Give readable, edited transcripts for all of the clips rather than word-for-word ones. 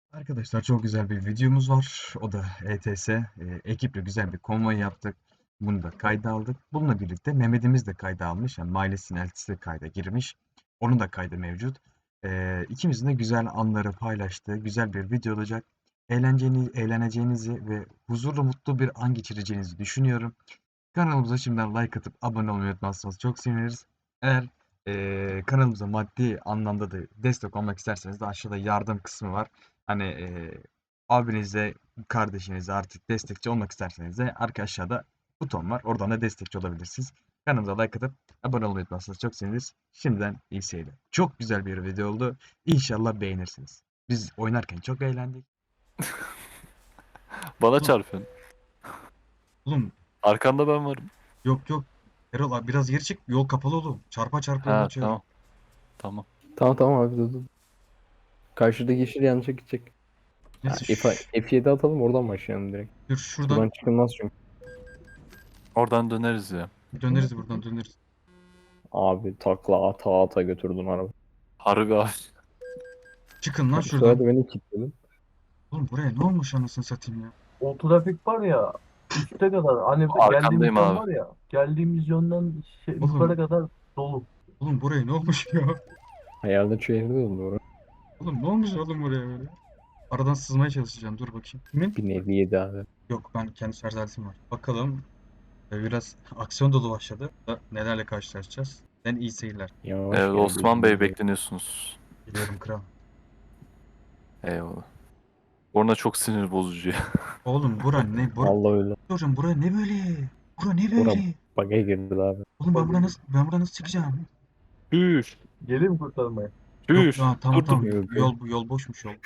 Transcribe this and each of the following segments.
Arkadaşlar çok güzel bir videomuz var. O da ETS. Ekiple güzel bir konvoy yaptık. Bunu da kayda aldık. Bununla birlikte Mehmet'imiz de kayda almış. Yani Miles'in eltisi de kayda girmiş. Onun da kaydı mevcut. İkimizin de güzel anları paylaştığı güzel bir video olacak. Eğleneceğinizi ve huzurlu mutlu bir an geçireceğinizi düşünüyorum. Kanalımıza şimdiden like atıp abone olmayı unutmazsanız çok seviniriz. Eğer kanalımıza maddi anlamda da destek olmak isterseniz de aşağıda yardım kısmı var. Hani abinize, kardeşinize artık destekçi olmak isterseniz de arka aşağıda buton var. Oradan da destekçi olabilirsiniz. Kanalımıza like atıp abone olmayı unutmazsanız çok seviniriz. Şimdiden iyi seyirler. Çok güzel bir video oldu. İnşallah beğenirsiniz. Biz oynarken çok eğlendik. Bana Oğlum, çarpın. oğlum Arkanda ben varım. yok. Erol abi biraz geri çık. Yol kapalı oğlum. Çarpa çarpa yol Ha açıyorum. tamam. Tamam. Tamam abi dur. Karşıdaki yeşil yanlışa gidecek. Ha, Neyse F7 atalım oradan başlayalım direkt. dur Buradan şuradan çıkılmaz çünkü. Oradan döneriz ya. döneriz buradan döneriz. Abi takla ata ata götürdün araba. Harbi abi. Çıkın lan Sonra şuradan. da beni kilitledin. Oğlum buraya ne olmuş anasını satayım ya. O trafik var ya üste kadar hani geldiğimiz Arkandayım yön abi. var ya geldiğimiz yönden Oğlum, yukarı kadar dolu. oğlum buraya ne olmuş ya. Hayalde şehirde oldu orası. Oğlum ne olmuş oğlum buraya böyle. Aradan sızmaya çalışacağım. Dur bakayım. Kimin? Bir nevi yedi abi. Yok ben kendi şarj aletim var. Bakalım. Biraz aksiyon dolu başladı. Nelerle karşılaşacağız. Ben iyi seyirler. Yavaş Evet gel, Osman Bey gözünü bekleniyorsunuz. Biliyorum kral. Eyvallah. Orada çok sinir bozucu ya. Oğlum bura ne? seveyim. Allah öyle. Hocam bura ne böyle? Bura ne Ora böyle? bug'a girdi abi. Oğlum ben buradan nasıl çıkacağım? Hür. Gelin kurtarmaya. Yok Hür. ya tamam Dur dur. tamam. Yok, Yol boşmuş yol.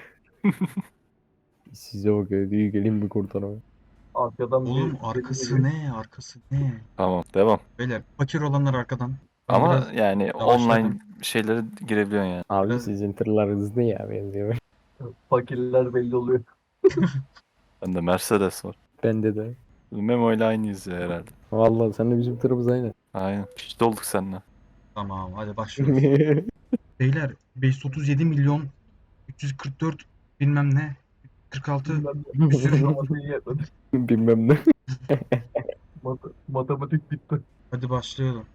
Size bakıyor diyor gelin bir kurtarmaya. Arkadan Oğlum bir arkası ne? Arkası ne? Tamam devam. Beyler fakir olanlar arkadan. Ben Ama biraz yani yavaşladım. online şeylere girebiliyorsun yani. Abi Biraz- sizin tırlar hızlı ya benziyor. fakirler belli oluyor. Bende Mercedes var. Bende de. Memo ile aynıyız ya herhalde. Vallahi sen de bizim tırımız aynı. Aynen. İşte olduk seninle. Tamam hadi başlıyoruz. Beyler 537 milyon 344 bilmem ne 46 bir sürü Matematiği yetmedi. Bilmem ne. Matematik bitti. hadi başlayalım.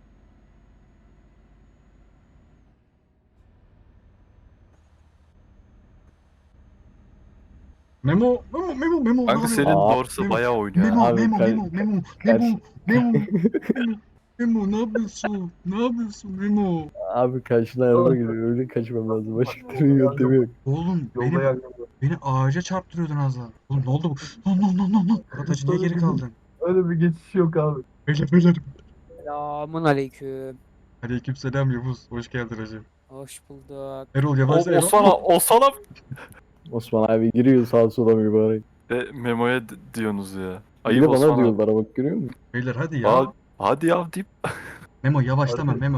Memo ne Kanka yapıyorsun? senin Aa, dorsa Memo, bayağı oynuyor Memo, ha. Abi, Memo, kar- Memo, Memo, karşı- Memo, Memo, Memo, ne yapıyorsun? Ne yapıyorsun Memo? Abi karşına araba geliyor. Öyle kaçmam lazım. Başka türlü yöntemi yok. Oğlum Yolda yangın var. beni ağaca çarptırıyordun az daha. Oğlum ne oldu bu? Lan. Atacı niye geri kaldın? Öyle bir geçiş yok abi. Beyler. Selamun aleyküm. Aleykümselam Yavuz. Hoş geldin hacı. Hoş bulduk. Erol yavaşla Erol. Osman'a Osman abi giriyor sağa sola mübarek. Memo'ya diyorsunuz ya. Bir Ayıp de bana Osman abi. diyorlar bak görüyor musun? Beyler hadi ya. Hadi ya deyip Memo yavaşlama. Hadi.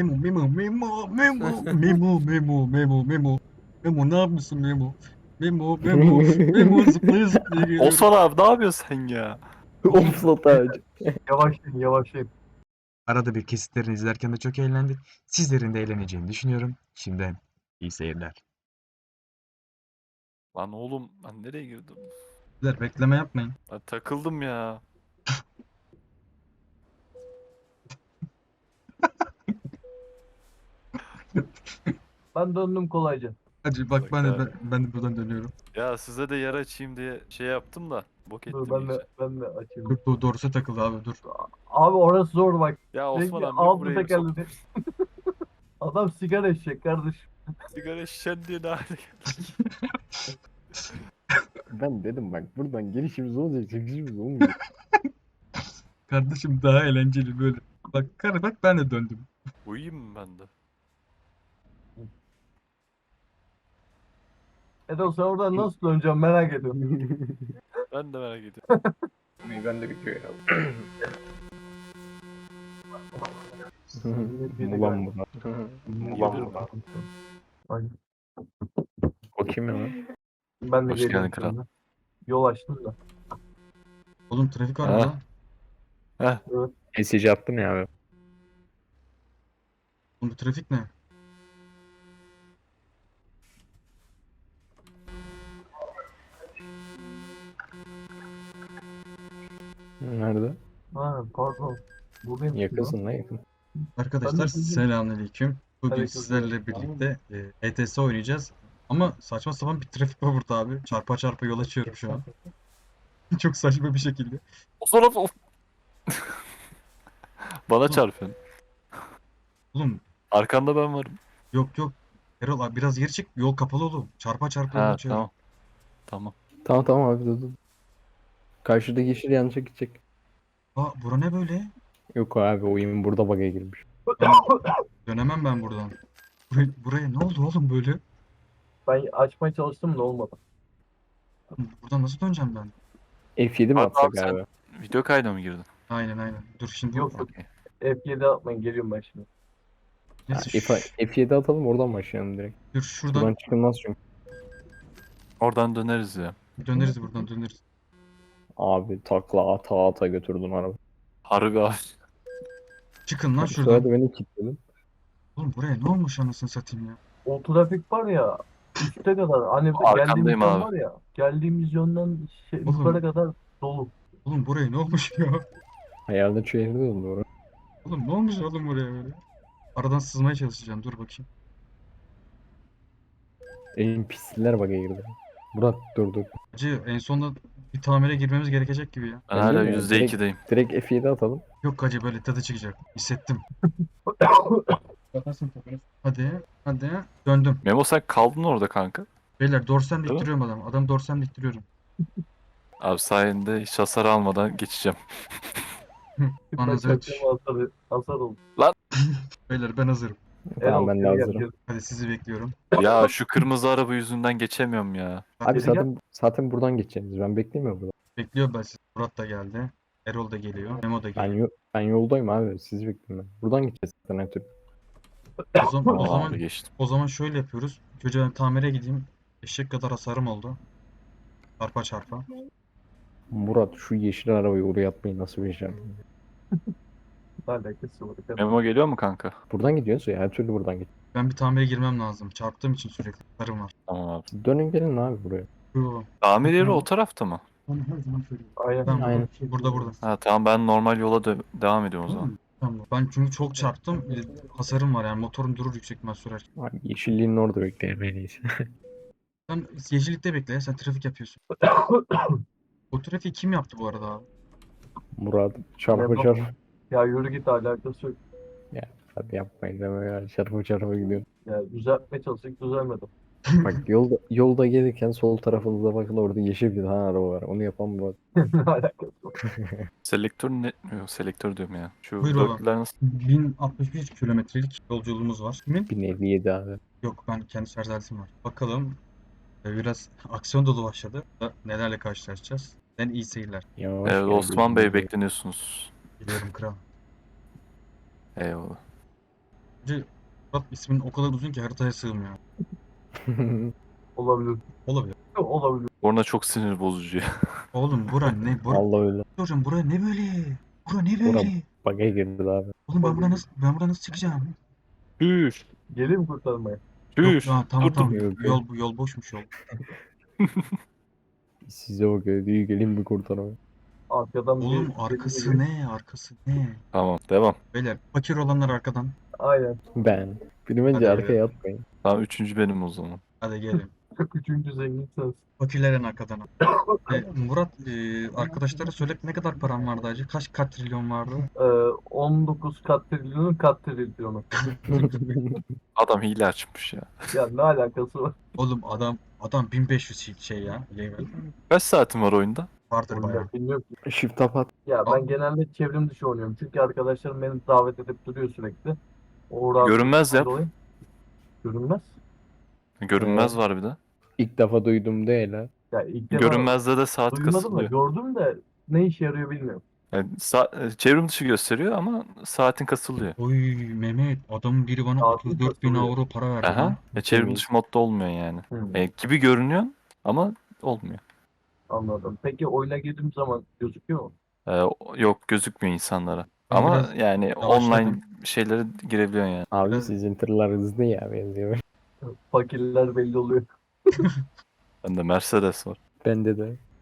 Memo ne yapıyorsun Memo? Memo zıplaya geliyor. Osman abi ne yapıyorsun sen ya? Omslat ağacı. Yavaşlayın. Arada bir kesitlerini izlerken de çok eğlendik. Sizlerin de eğleneceğini düşünüyorum. Şimdiden iyi seyirler. Lan oğlum ben nereye girdim? Beyler bekleme yapmayın. Ben takıldım ya. Ben döndüm kolayca. Hadi bak ben de buradan dönüyorum. Ya size de yer açayım diye şey yaptım da bok ettim Dur ben iyice. de açayım. Dur doğrusu takıldı abi dur. Abi orası zor bak. Ya Osman Çünkü abi altı buraya tekerledi. Adam sigara içecek kardeşim. sigara şişen diye ne hale geldi? Ben dedim bak buradan gelişimiz olacak çekişimiz olmayacak. Kardeşim daha eğlenceli böyle. Bak ben de döndüm. Uyuyayım mı ben de? Edo sen oradan nasıl döneceksin merak ediyorum. Ben de merak ediyorum. Ben de bitiyor ya. Mulan bu. Mulan bu. Aynen. O kim ya lan? Ben de Hoş geliyorum geldin kral. şimdi. Yol açtım da. Oğlum trafik var Ha. burada. Mesaj attım ya abi. Oğlum bu trafik ne? Nerede? Ha pardon. Buradayım. Yakınsın lan yakın. Arkadaşlar Ben de sizi- selamünaleyküm. Bugün Aleykümselam. sizlerle birlikte ETS oynayacağız. Ama saçma sapan bir trafik var burada abi. Çarpa çarpa yol açıyorum şu an. Çok saçma bir şekilde. O taraf of. Bana çarpın. Oğlum Arkanda ben varım. yok yok. Erol abi biraz geri çık. Yol kapalı oğlum. Çarpa çarpa yol Ha açıyorum. tamam. Tamam. Tamam abi dur. Karşıdaki yeşil yanlışa gidecek. Aa bura ne böyle? Yok abi oyun burada bug'a girmiş. Dönemem ben buradan. Buraya ne oldu oğlum böyle? Ben açmaya çalıştım da olmadı. Buradan nasıl döneceğim ben? F7 mi Abi, atsak abi sen- abi? Video kayda mı girdin? Aynen. Dur şimdi Yok yok. F7 atmayın geliyorum ben şimdi. neyse F7 atalım oradan başlayalım direkt. dur şuradan Buradan çıkılmaz çünkü. Oradan döneriz ya. döneriz buradan döneriz. Abi takla ata ata götürdün araba. Harbi abi. Çıkın lan Bu sefer şuradan. de beni kilitledin. Oğlum buraya ne olmuş anasını satayım ya. O trafik var ya üste kadar hani Arkandayım geldiğimiz yön abi. var ya geldiğimiz yönden Oğlum. yukarı kadar dolu. Oğlum buraya ne olmuş ya? Hayalde şehirde oldu orası. Oğlum ne olmuş oğlum buraya böyle? Aradan sızmaya çalışacağım. Dur bakayım. En pisler bug'a girdi. Murat dur. Hacı en sonunda bir tamire girmemiz gerekecek gibi ya. Ben Ben hala değil mi? %2'deyim. Direkt F7 atalım. Yok hacı böyle tadı çıkacak. Hissettim. Bakarsın tabii. Hadi. Döndüm. Memo sen kaldın orada kanka. Beyler dorsem Değil mi? diktiriyorum adam. Adam dorsem diktiriyorum. Abi sayende hiç hasar almadan geçeceğim. Bana Ben hazır düş. çaktım hasar oldu. Beyler ben hazırım. Tamam ben de geri gel, hazırım. geri. Hadi sizi bekliyorum. Ya şu kırmızı araba yüzünden geçemiyorum ya. Abi Geri gel. zaten buradan geçeceğiz. Ben beklemiyorum burada. Bekliyorum ben sizi. Murat da geldi. Erol da geliyor. Memo da Ben, geliyor. ben yoldayım abi. Sizi bekliyorum ben. Buradan gideceğiz zaten her türlü. O zaman, Tamam o zaman, abi geçtim. o zaman şöyle yapıyoruz. Önce ben tamire gideyim. Eşek kadar hasarım oldu. Çarpa çarpa. Murat şu yeşil arabayı oraya atmayı nasıl beceremedin? Ne alakası var? Memo geliyor mu kanka? Buradan gidiyoruz ya. Her türlü buradan git. Ben bir tamire girmem lazım. Çarptığım için sürekli hasarım var. Tamam abi. Dönün gelin abi buraya. Yo, Tamir yeri o tarafta mı? onu her zaman söylüyorum. Aynen. Tamam, Aynen. burada. Ha tamam ben normal yola devam ediyorum o zaman. Tamam. Ben çünkü çok çarptım. Bir de hasarım var yani motorum durur yüksek ihtimal sürer. Abi yeşilliğin orada bekleyelim en iyisi. Sen yeşillikte bekle ya, sen trafik yapıyorsun. O trafiği kim yaptı bu arada abi? Murat çarpı Merhaba. çarpı. Ya yürü git alakası yok. Hadi yapmayın deme ya. Çarpı çarpı gidiyor. Ya düzeltmeye çalıştık düzelmedi. Bak yolda gelirken sol tarafınıza bakın orada yeşil bir tane araba var. Onu yapan Murat. Ne alakası var? Selektör ne? Yok selektör diyorum ya. Şu Buyur baba. dörtlüler nasıl? 1061 kilometrelik yolculuğumuz var. Kimin? 1057 abi. Yok ben kendi şarj aletim var. Bakalım. Biraz aksiyon dolu başladı. Nelerle karşılaşacağız? Ben iyi seyirler. Yavaş Evet gel, Osman Bey gözünü bekleniyorsunuz. Biliyorum kral. Eyvallah. Bence Murat ismin o kadar uzun ki haritaya sığmıyor. seveyim. Olabilir. Olabilir. Olabilir. Orada çok sinir bozucu ya. Oğlum bura ne? Vallahi öyle. Hocam bura ne böyle? Bura ne Bura- böyle? Bug'a girdi abi. Oğlum ben buradan nasıl çıkacağım? Üf. Geleyim kurtarmaya. Yok Üf. tamam Dur, tamam. Yok, Yol boşmuş yol. Size bakıyor. Diyor gelin bir kurtarmaya. Arkadan Oğlum bir- arkası ne? Arkası ne? Tamam devam. Beyler fakir olanlar arkadan. Aynen. Ben. Beni bence Hadi arkaya atmayın. Tamam üçüncü benim o zaman. Hadi gelin. Üçüncü zengin sensin. Fakirler en arkadan. Murat arkadaşlara söyle ne kadar param vardı acı? Kaç trilyon vardı? 19 kat trilyonun kat trilyonu. Adam hile açmış ya. Ya ne alakası var? Oğlum adam 1500 şey ya. Level. Kaç saatin var oyunda? Vardır bayağı. Oyunda bilmiyorum ki. Shift tap at. Ya ben Al. genelde çevrim dışı oynuyorum. Çünkü arkadaşlarım beni davet edip duruyor sürekli. O rahatsızlıktan Görünmez yap. dolayı- Görünmez. Görünmez var bir de. İlk defa duydum değil ha. Ya ilk defa Görünmezde de saat duymadım da kasılıyor. gördüm de ne işe yarıyor bilmiyorum. Yani çevrim dışı gösteriyor ama saatin kasılıyor. Oy Mehmet adamın biri bana Altın 34 bin kasılıyor. avro para verdi Aha. lan. Çevrim Temiz. dışı modda olmuyor yani. Hmm, Gibi görünüyor ama olmuyor. anladım. Peki oyuna girdiğim zaman gözüküyor mu? Yok gözükmüyor insanlara. Ben Ama biraz yani yavaşladım. online şeylere girebiliyorsun yani. Abi Biraz- sizin tırlar hızlı ya benziyor. Fakirler belli oluyor. Bende Mercedes var. Bende de.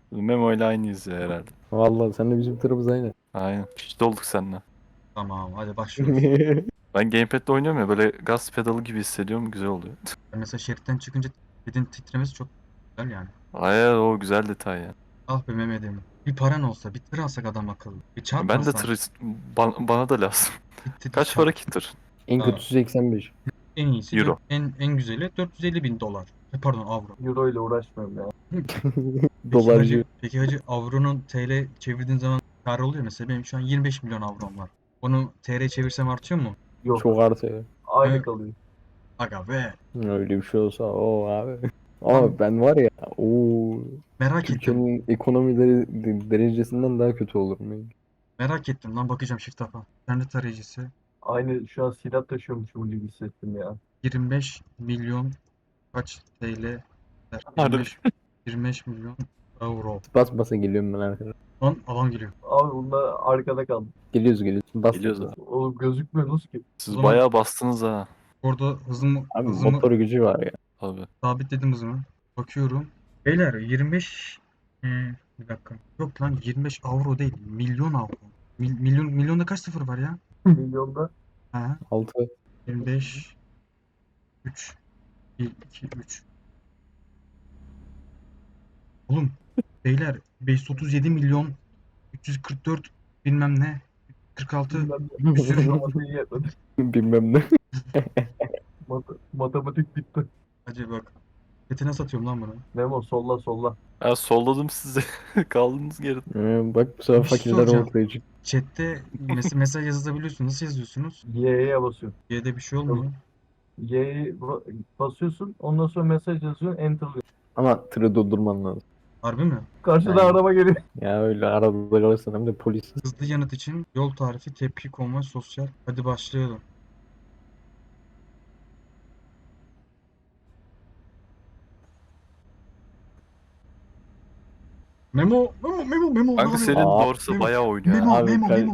Memo ile aynıyız ya herhalde. Vallahi sen de bizim tırımız aynı. Aynen. İşte olduk seninle. Tamam hadi başlıyoruz. Ben gamepad'de oynuyorum ya böyle gaz pedalı gibi hissediyorum. Güzel oluyor. Mesela şeritten çıkınca pedin titremesi çok güzel yani. Ay o güzel detay ya. Ah be Mehmet'im. Bir paran olsa bir tır alsak adam akıllı. Bir Ben de çarpmasan. tır bana da lazım. Bir Kaç para ki tır? En Aa. kötüsü 85. En iyisi Euro. en güzeli 450 bin dolar. Pardon avro. Euro ile uğraşmıyorum ya. Dolarcı. Peki hacı avronun TL çevirdiğin zaman kar oluyor mesela benim şu an 25 milyon avrom var. Onu TL çevirsem artıyor mu? Yok. Çok artıyor. Aynı Evet. kalıyor. Aga be. Öyle bir şey olsa o abi. Ama Tamam. ben var ya o Merak ettim. Türkiye'nin ekonomileri derecesinden daha kötü olurum yani. Merak ettim lan bakacağım shift tapa. İnternet tarayıcısı Aynı şu an silah taşıyormuşum gibi hissettim ya. 25 milyon kaç TL der? Harbi. 25 milyon euro. Bas basa geliyorum ben arkadaşlar. Lan adam geliyor. Abi bunlar arkada kaldı. Geliyoruz. Bas Geliyoruz basa. abi. Oğlum gözükmüyorsunuz ki. Siz O zaman- bayağı bastınız ha. Orada hızımı Abi motor gücü var ya. Abi. sabitledim hızımı. Bakıyorum. Beyler 25 bir dakika. Yok lan 25 avro değil. Milyon avro. Milyonda kaç sıfır var ya? Milyonda. Ha, 6. 25 3 1 2 3. Oğlum beyler 537 milyon 344 bilmem ne 46 bir sürü Matematiği yetmedi. Bilmem ne. Matematik bitti. Hadi bak. Petine satıyorum lan bunu. Memo solla solla. Ben solladım sizi. Kaldınız geride. Bak bu sefer Bir şey fakirler soracağım. ortaya çıktı. Chat'te mesaj yazabiliyorsunuz. Nasıl yazıyorsunuz? Y'ye basıyorsun. Y'de bir şey olmuyor. Y'ye basıyorsun. Ondan sonra mesaj yazıyorsun. Enter'lıyorsun. Ama tırı durdurman lazım. Harbi mi? Karşıda Aynen. araba geliyor. Ya öyle arada kalırsan hem de polis. Hızlı yanıt için yol tarifi, tepki, konvoy, sosyal. Hadi başlayalım. Memo. Kanka ne senin yapıyorsun? dorsa Memo, bayağı oynuyor Memo, ha. Abi,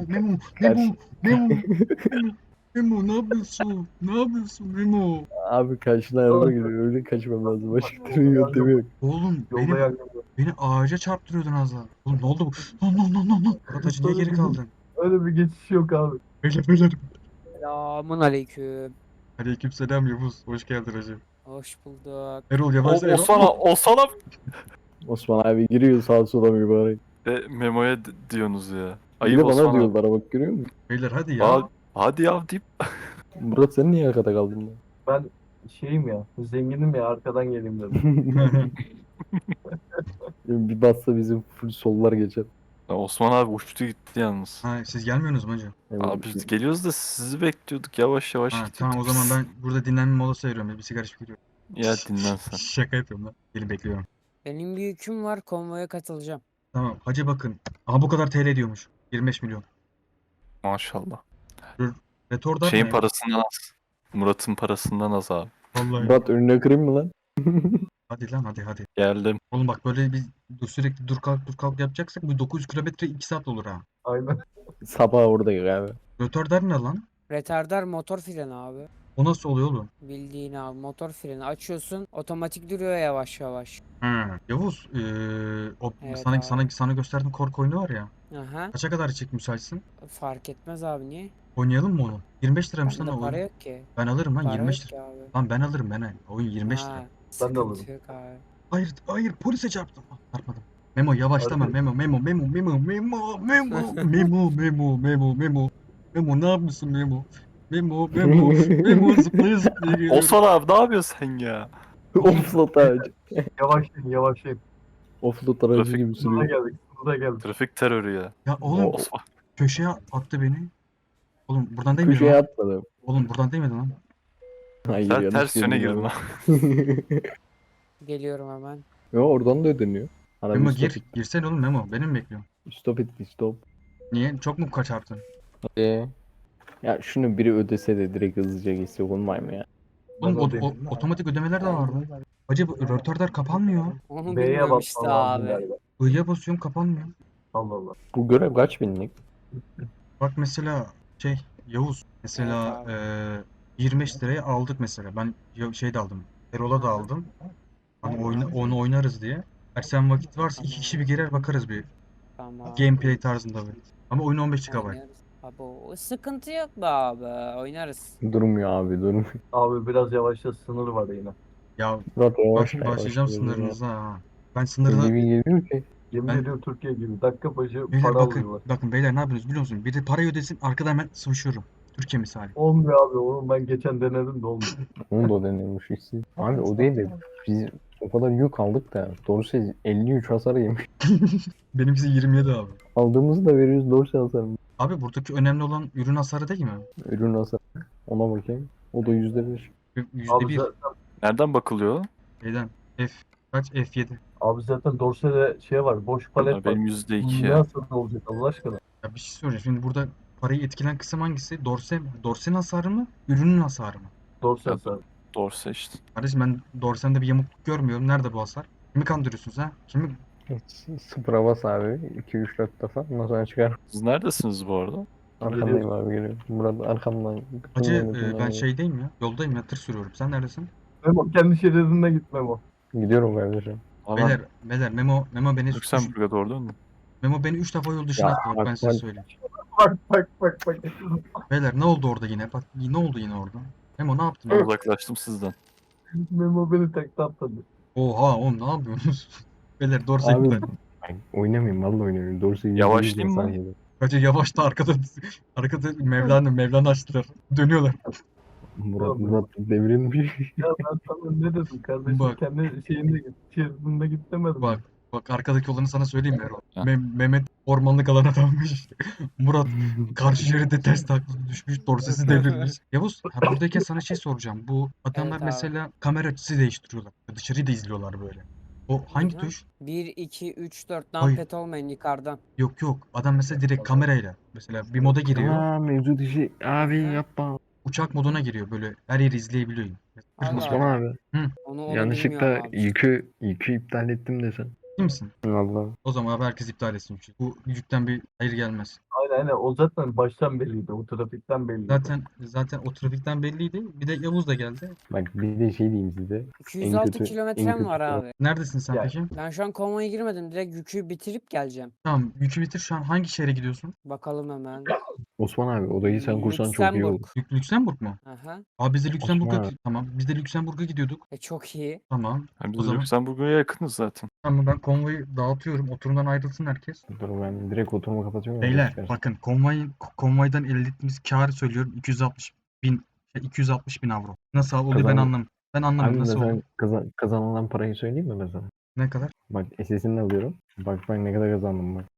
Memo, ne yapıyorsun? Ne yapıyorsun Memo? Abi karşına araba geliyor. Öyle kaçmam lazım. Başka türlü yöntemi yok. Oğlum Yolda yangın var. beni ağaca çarptırıyordun az daha. Oğlum ne oldu bu? Lan. Murat Hacı niye geri kaldın? Öyle bir geçiş yok abi. Beyler. Selamun aleyküm. Aleykümselam Yavuz. Hoş geldin Hacı. Hoş bulduk. Erol yavaşla Erol. Osman'a Osman abi giriyor sağa sola mübarek. Memo'ya diyorsunuz ya. Bir Ayıp de bana Osman abi. diyorlar bak görüyor musun? Beyler hadi ya. Hadi ya deyip Murat sen niye arkada kaldın lan? Ben şeyim ya. Zenginim ya. Arkadan geleyim dedim. Bir bassa bizim full sollar geçer. Osman abi uçtu gitti yalnız. Ha, siz gelmiyorsunuz mu hacı? Yani Abi biz geliyoruz da sizi bekliyorduk yavaş yavaş Ha, gidiyorduk tamam o biz. zaman ben burada dinlenme molası veriyorum. Bir sigara içip gidiyorum. Ya dinlen sen. Şaka yapıyorum lan. Gelin bekliyorum. Benim bir yüküm var, konvoya katılacağım. Tamam hacı bakın. Aha bu kadar TL diyormuş. 25 milyon. Maşallah. Retordar Şeyin ne? parasından az. Murat'ın parasından az abi. Vallahi. Murat önüne kırayım mı lan? Hadi lan hadi. Geldim. Oğlum bak böyle bir sürekli dur kalk yapacaksak bu 900 kilometre 2 saat olur ha. Aynen. Sabah oradayız abi. Retardar ne lan? Retardar motor freni abi. O nasıl oluyor oğlum? Bildiğin abi motor freni açıyorsun, otomatik duruyor yavaş yavaş. Yavuz, o Evet sana gösterdiğim korku oyunu var ya. Aha. Kaça kadar çek müsaitsin? Fark etmez abi, niye? Oynayalım mı onu? 25 liraymış lan Bende o para oyun. yok ki. Ben alırım lan Para 25 yok lira. ki abi. Lan ben alırım ben. Oyun 25 lira. Ha, Ben de sıkıntı alırım. yok abi. Hayır polise çarptım. Ah, çarpmadım. Memo yavaşlama. Harbi. Memo. Memo ne yapıyorsun Memo? Memo zıplaya geliyorum. Osman abi ne yapıyorsun sen ya? Offload aracı. Yavaşlayın. Offload aracı Trafik- gibi Sınıra sürüyor. geldik. Trafik terörü ya. Ya oğlum Osman. köşeye attı beni. Oğlum buradan değil miydi Köşeye lan? atladım. Oğlum buradan değil miydi lan? Hayır Sen yanlış ters yöne girdim girdin abi. lan. Geliyorum hemen. Yo oradan da ödeniyor. Araba Memo stop it. girsene oğlum Memo. Beni mi bekliyorsun? Stop it stop. Niye? Çok mu kaçarttın? Ya şunu biri ödese de direkt hızlıca geçse olmay mı ya? Oğlum Ben de otomatik ödemeler de vardı. Hacı bu rötordar kapanmıyor. Onu B'ye bilmiyorum işte basman lazım abi. galiba. I'ya basıyorum kapanmıyor. Allah Allah. Bu görev kaç binlik? Bak mesela Yavuz mesela Evet 25 liraya aldık mesela. Ben şeyde aldım. Erol'a da aldım. Hani onu oynarız diye. Ersen vakit varsa iki kişi bir girer bakarız bir Tamam. gameplay tarzında bir. Ama oyun 15 GB. Oynarız. Abi o sıkıntı yok be abi. Oynarız. Durmuyor abi durmuyor. Abi biraz yavaşla, sınır var yine. Ya Murat yavaş başlayacağım yavaş. sınırınıza ha. Ben 50 sınırda bin geliyor ki. Yemin Ben- ediyorum Türkiye gibi. Dakika başı beyler para bakın alıyorlar. bakın beyler ne yapıyorsunuz biliyor musunuz? Biri parayı ödesin arkadan hemen sıvışıyorum. Türkiye misali. Olmuyor abi. Oğlum ben geçen denedim de olmuyor. Onu da o deniyormuş işte. Abi o değil de biz o kadar yük aldık da Dorsey 53 hasar yemiş. Benimkisi 27 abi. Aldığımızı da veriyoruz Dorsey hasarı. Abi buradaki önemli olan ürün hasarı değil mi? Ürün hasarı. Ona bakayım. O da %1. Abi %1 zaten, Nereden bakılıyor? şeyden F kaç F7. abi zaten Dorsey'de şey var. Boş palet var. Benim %2 Ne ya. nasıl olacak Allah aşkına? Ya bir şey soracağım. Şimdi burada parayı etkilen kısım hangisi? Dorse'nin hasarı mı? Ürünün hasarı mı? Dorsey Ya, hasarı. Dorse işte. Kardeşim ben Dorsen'de bir yamukluk görmüyorum. Nerede bu hasar? Kimi kandırıyorsunuz ha? Kimi? Sıfıra bas abi. 2-3-4 defa. Ondan sonra çıkar. Siz neredesiniz bu arada? Arkandayım abi geliyor. Murat arkamdan. Hacı Dinlemediğinden ben geliyor. şeydeyim ya. Yoldayım ya. Tır sürüyorum. Sen neredesin? Memo kendi şeridinde git Memo. Gidiyorum kardeşim. Aman Beyler Memo beni Lüksemburg'a doğru dön mü? Memo beni 3 defa yol dışına Ya, attı. Bak ben size bak- söyleyeyim. Bak. Beyler ne oldu orada yine? Bak ne oldu yine orada? Memo ne yaptın? Ben ya? uzaklaştım sizden. Memo beni tek atladı. Oha oğlum ne yapıyorsunuz? Beyler Dorse Abi iptal. ben oynamayayım vallahi oynamayayım. Dorsey Yavaşlayayım mı? Hacı yavaşta arkada Mevlana açtılar. Dönüyorlar. Murat devrilmiş. Ya ben sana ne dedim kardeşim? Bak. Kendi şeyinde git. Şeridinde git demedim. Bak. Bak arkadaki olanı sana söyleyeyim mi Erol? Ha. Mehmet ormanlık alana dalmış. Murat karşı şeride ters takla düşmüş. Dorsesi devrilmiş. Yavuz buradayken sana şey soracağım. Bu adamlar Evet abi. mesela kamera açısı değiştiriyorlar. Dışarıyı da izliyorlar böyle. O hangi Hı. tuş? 1, 2, 3, 4. Hayır. Numpad olmayın yukarıdan. Yok. Adam mesela direkt kamerayla. Mesela bir moda giriyor. Aa mevcut işi. Abi yapma. Uçak moduna giriyor. Böyle her yeri izleyebiliyor. Allah Osman Allah. abi. Onu Yanlışlıkla bilmiyorum abi. yükü iptal ettim desen. Değil misin? Vallahi. O zaman abi herkes iptal etsin yükü. Bu yükten bir hayır gelmez. Aynen. O zaten baştan belliydi. O trafikten belliydi. Zaten o trafikten belliydi. Bir de Yavuz da geldi. Bak bir de şey diyeyim size. 206 kötü- en kilometrem kötü var taraf- abi. Neredesin sen Ya, peki? Ben şu an konvoya girmedim. Direkt yükü bitirip geleceğim. Tamam yükü bitir. Şu an hangi şehre gidiyorsun? Bakalım hemen. Osman abi odayı sen kursan çok iyi olur. Lüksemburg. Lüksemburg mu? Aha. Abi biz de Lüksemburg'a Osman abi. tamam. Biz de Lüksemburg'a gidiyorduk. Çok iyi. Tamam. Hem O biz zaman Lüksemburg'a yakınız zaten. tamam ben konvoyu dağıtıyorum. Oturumdan ayrılsın herkes. Dur ben direkt oturumu kapatıyorum. Beyler bakın konvoydan elde ettiğimiz karı söylüyorum 260 bin avro. Nasıl oluyor ben Kazan- anlamadım. Ben anlamadım Abi nasıl mesela oldu. kazanılan parayı söyleyeyim mi mesela? Ne kadar? Bak SS'ini alıyorum. Bak ne kadar kazandım bak.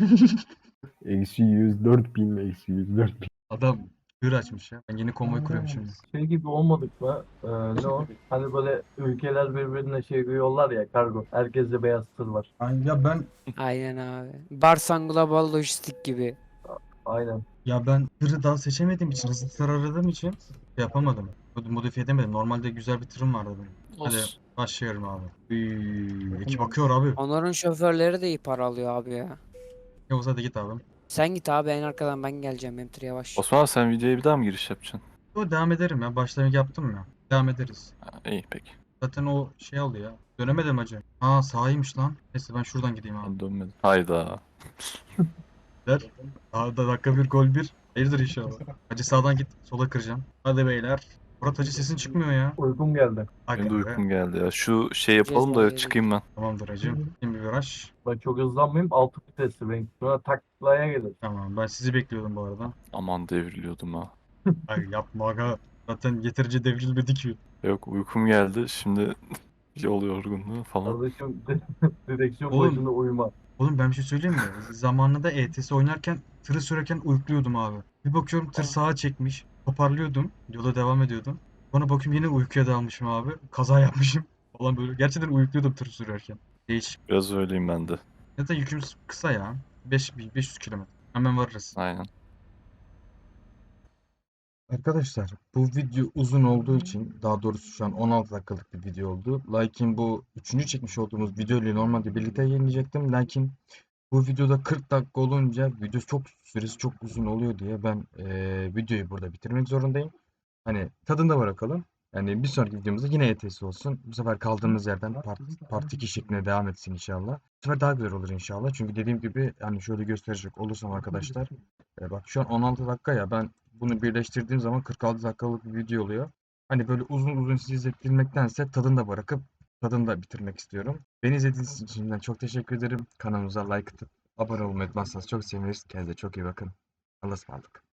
Eksi 104 bin mi? Eksi 104 bin. Adam hır açmış ya. Ben yeni konvoy kuruyorum şimdi. Şey gibi olmadık mı? Ne o? Hani böyle ülkeler birbirine şey yollar ya, kargo. Herkeste beyaz tır var. Ya Aynen abi. Barsan Global Lojistik gibi. Aynen. ben tırı daha seçemediğim için hızlı tır aradığım için yapamadım. Modifiye edemedim. Normalde güzel bir tırım vardı benim. Hadi Olsun. başlıyorum abi. Ekip bakıyor abi. Onların şoförleri de iyi para alıyor abi ya. Yavuz hadi git abi. Sen git abi en arkadan ben geleceğim. Benim tır yavaş. Osman abi sen videoya bir daha mı giriş yapacaksın? Yo, devam ederim ya. Başlangıç yaptım ya. Devam ederiz. Ha, iyi peki. Zaten o şey oldu ya. Dönemedim hacı. Aa sahaymış lan. Neyse ben şuradan gideyim abi. Ben dönmedim. Hayda. Der. Daha da dakika bir gol bir. Hayırdır inşallah. Hacı sağdan git. Sola kıracağım. Hadi beyler. Murat hacı sesin çıkmıyor ya. Uykum geldi. Aga Benim de be. uykum geldi ya. Şu şey yapalım da Cezayir'e çıkayım ben. Tamamdır hacım. Şimdi bir viraj. Ben çok hızlanmayayım. 6 vitesli ben. Sonra taklaya gelir. Tamam ben sizi bekliyordum bu arada. Aman devriliyordum ha. Ay yapma aga. Zaten yeterince devrilmedi ki. Yok uykum geldi. Şimdi yol yorgunluğu falan. Kardeşim direksiyon Oğlum. başında uyuma. Oğlum ben bir şey söyleyeyim mi? Zamanında ETS oynarken tırı sürerken uyukluyordum abi. Bir bakıyorum tır sağa çekmiş. Toparlıyordum. Yola devam ediyordum. Sonra bakıyorum yine uykuya dalmışım abi. Kaza yapmışım. Falan böyle. Gerçekten uyukluyordum tır sürerken. Değişik. Biraz öyleyim ben de. Zaten yükümüz kısa ya. 500 kilometre. Hemen varırız. Aynen. Arkadaşlar bu video uzun olduğu için daha doğrusu şu an 16 dakikalık bir video oldu. Lakin bu üçüncü çekmiş olduğumuz video ile normalde birlikte yayınlayacaktım. Lakin bu videoda 40 dakika olunca video süresi çok uzun oluyor diye ben videoyu burada bitirmek zorundayım. Hani tadında bırakalım. Yani bir sonraki videomuzda yine ETS olsun. Bu sefer kaldığımız yerden part 2 şeklinde devam etsin inşallah. Bu sefer daha güzel olur inşallah. Çünkü dediğim gibi hani şöyle gösterecek olursam arkadaşlar. Bak şu an 16 dakika ya, ben bunu birleştirdiğim zaman 46 dakikalık bir video oluyor. Hani böyle uzun uzun sizi izlettirmektense tadını da bırakıp tadını da bitirmek istiyorum. Beni izlediğiniz için şimdiden çok teşekkür ederim. Kanalımıza like atıp abone olmayı unutmazsanız çok seviniriz. Kendinize çok iyi bakın. Allah'a ısmarladık.